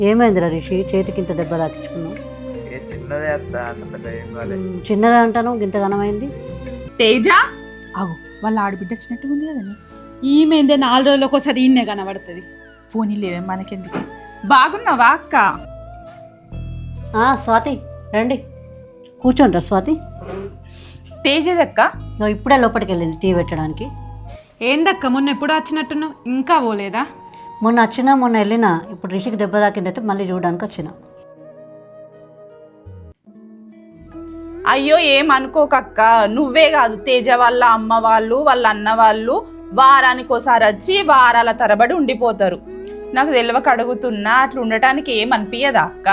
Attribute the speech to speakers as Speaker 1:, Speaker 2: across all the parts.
Speaker 1: ఏమైందిరా రిషి, చేతికి ఇంత దెబ్బ తాకించుకున్నావు?
Speaker 2: చిన్నదే అత్త, అంత పెద్ద ఏం కాలేదు.
Speaker 1: చిన్నదే అంటాను, ఇంత ఘనమైంది.
Speaker 3: తేజ అవు వాళ్ళ ఆడబిడ్డ వచ్చినట్టు ఉంది కదండి. ఈమెందే 4 రోజులకు ఒకసారి ఈయనే కనబడుతుంది. పోనీ లేవే మనకెందుకు. బాగున్నావా అక్క?
Speaker 1: స్వాతి రండి కూర్చోండి. స్వాతి
Speaker 3: తేజదక్క
Speaker 1: ఇప్పుడే లోపలికి వెళ్ళింది టీ పెట్టడానికి.
Speaker 3: ఏందక్క మొన్న ఎప్పుడు వచ్చినట్టున్నావు, ఇంకా పోలేదా?
Speaker 1: మొన్న వచ్చినా మొన్న వెళ్ళినా, ఇప్పుడు రిషికి దెబ్బ తాకిందైతే మళ్ళీ చూడడానికి వచ్చిన.
Speaker 3: అయ్యో ఏమనుకోకక్క, నువ్వే కాదు తేజ వాళ్ళ అమ్మ వాళ్ళు వాళ్ళ అన్న వాళ్ళు వారానికి ఒకసారి వచ్చి వారాల తరబడి ఉండిపోతారు. నాకు తెలియక అడుగుతున్నా, అట్లా ఉండటానికి ఏమనిపించదా అక్క?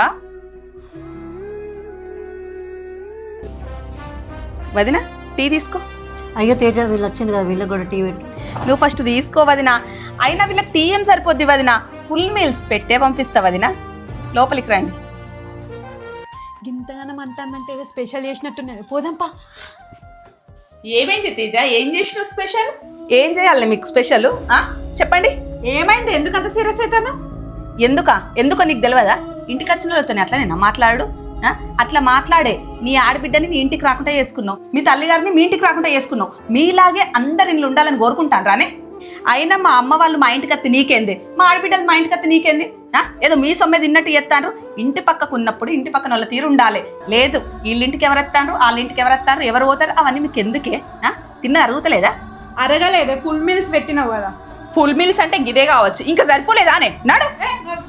Speaker 4: వదినా టీ తీసుకో.
Speaker 1: అయ్యో తేజ వీళ్ళు వచ్చింది కదా, వీళ్ళకి కూడా టీ పెట్టు.
Speaker 4: నువ్వు ఫస్ట్ తీసుకో వదినా. అయినా వీళ్ళకి టీ ఏం సరిపోద్ది వదినా, ఫుల్ మీల్స్ పెట్టే పంపిస్తా వదినా. లోపలికి రండి.
Speaker 3: గింతగానం అంటానంటే ఏదో స్పెషల్ చేసినట్టున్నది, పోదాంపా.
Speaker 4: ఏమైంది తేజ, ఏం చేసినావు స్పెషల్? ఏం చేయాలి మీకు స్పెషల్ చెప్పండి.
Speaker 3: ఏమైంది, ఎందుకంత సీరియస్ అవుతాను?
Speaker 4: ఎందుకో నీకు తెలియదా? ఇంటికి వచ్చిన వాళ్ళతోనే అట్లా నేను మాట్లాడు. అట్లా మాట్లాడే నీ ఆడబిడ్డని నీ ఇంటికి రాకుండా చేసుకున్నావు, మీ తల్లిగారిని మీ ఇంటికి రాకుండా చేసుకున్నావు. మీలాగే అందరు ఇంట్లో ఉండాలని కోరుకుంటాను రానే. అయినా మా అమ్మ వాళ్ళు మా ఇంటికి అత్తి నీకేంది, మా ఆడబిడ్డలు మా ఇంటికి అత్తి నీకేంది? ఏదో మీ సొమ్మె తిన్నట్టు చేస్తాను. ఇంటి పక్కకు ఉన్నప్పుడు ఇంటి పక్కన వాళ్ళ తీరు ఉండాలి. లేదు వీళ్ళింటికి ఎవరు వస్తాను, వాళ్ళ ఇంటికి ఎవరు వస్తారు, ఎవరు పోతారు, అవన్నీ మీకు ఎందుకే? తిన్న అరుగుతలేదా?
Speaker 3: అరగలేదే, ఫుల్ మీల్స్ పెట్టినావు కదా.
Speaker 4: ఫుల్ మీల్స్ అంటే గిదే కావచ్చు, ఇంకా సరిపోలేదానే? నడు.